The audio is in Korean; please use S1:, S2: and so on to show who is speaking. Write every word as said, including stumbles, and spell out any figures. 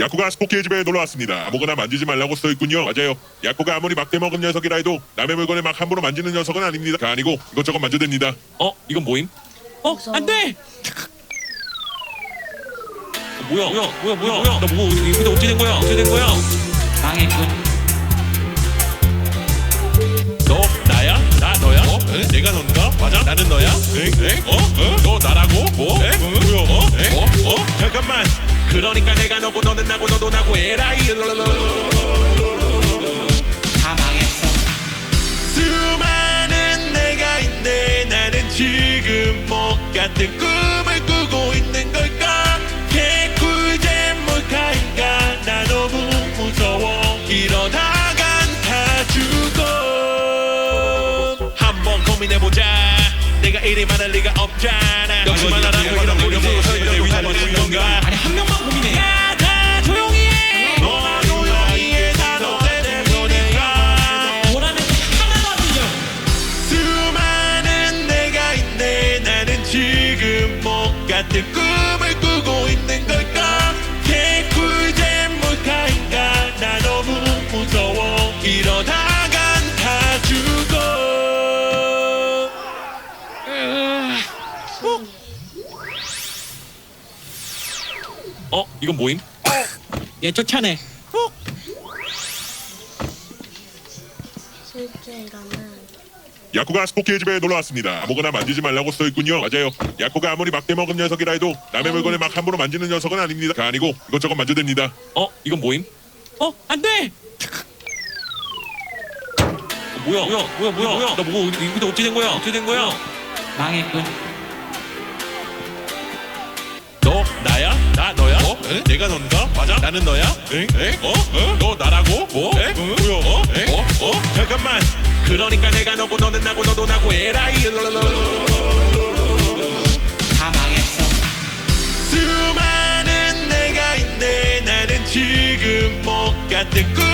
S1: 야쿠가 스포키의 집에 놀러 왔습니다. 아무거나 만지지 말라고 써 있군요. 맞아요. 야쿠가 아무리 막대 먹은 녀석이라 해도 남의 물건을 막 함부로 만지는 녀석은 아닙니다. 가 아니고 이것저것 만져댑니다.
S2: 어? 이건 뭐임? 어?
S3: 무서워.
S2: 안돼! 뭐야? 뭐야? 뭐야? 뭐야? 뭐야? 나 뭐? 이거 어떻게 된 거야? 어떻게 된 거야?
S3: 망했군.
S2: 너 나야? 나 너야? 어? 에? 내가 넌가? 맞아? 나는 너야? 에? 에? 어? 어? 너 나라고? 뭐? 에? 뭐야? 어? 에? 어? 어? 잠깐만. 그러니까 내가 너고 너는 나고 너도 나고 에라이.
S3: 다 망했어.
S2: 수많은 내가 있네. 나는 지금 뭐 같은 꿈을 꾸고 있는 걸까? 개꿀잼 몰카인가? 나 너무 무서워. 이러다간 다 죽어. 한번 고민해보자. 내가 이리 많을 리가 없잖아. 역시만 하라고 이런 무료로 설명을 하는 건가?
S3: 아니 한 명만 고민해.
S2: 야, 다 조용히 해. 너와 조용히 해. 다 너 때문이니까.
S3: 뭐라는 게 하나도 안 들려.
S2: 수많은 내가 있네. 나는 지금 뭐 같은 꿈을 꾸고 있는 걸까? 개꿀잼 몰카인가? 나 너무 무서워. 이러다간 다 죽어. 어? 이건 뭐임?
S3: 얘 쫓아내.
S4: 실제 이거는
S1: 야쿠가 스포키의 집에 놀러 왔습니다. 아무거나 만지지 말라고 써 있군요. 맞아요. 야쿠가 아무리 막대 먹은 녀석이라 해도 남의 물건을 막 함부로 만지는 녀석은 아닙니다. 가 아니고 이것저것 만져댑니다.
S2: 어? 이건 뭐임? 어? 안돼! 뭐야? 뭐야? 뭐야? 뭐야? 뭐야? 나 뭐? 이거 어떻게 된 거야? 어떻게 된 거야?
S3: 망했군.
S2: 너 나야? 나 너야? 어? 에? 내가 넌가? 맞아? 나는 너야? 에? 에? 어? 어? 너 나라고? 뭐? 에? 뭐야? 어? 에? 어? 어? 잠깐만. 그러니까 내가 너고 너는 나고 너도 나고 에라이.
S3: 다 망했어.
S2: 수많은 내가 있네. 나는 지금 뭐 같은 꿈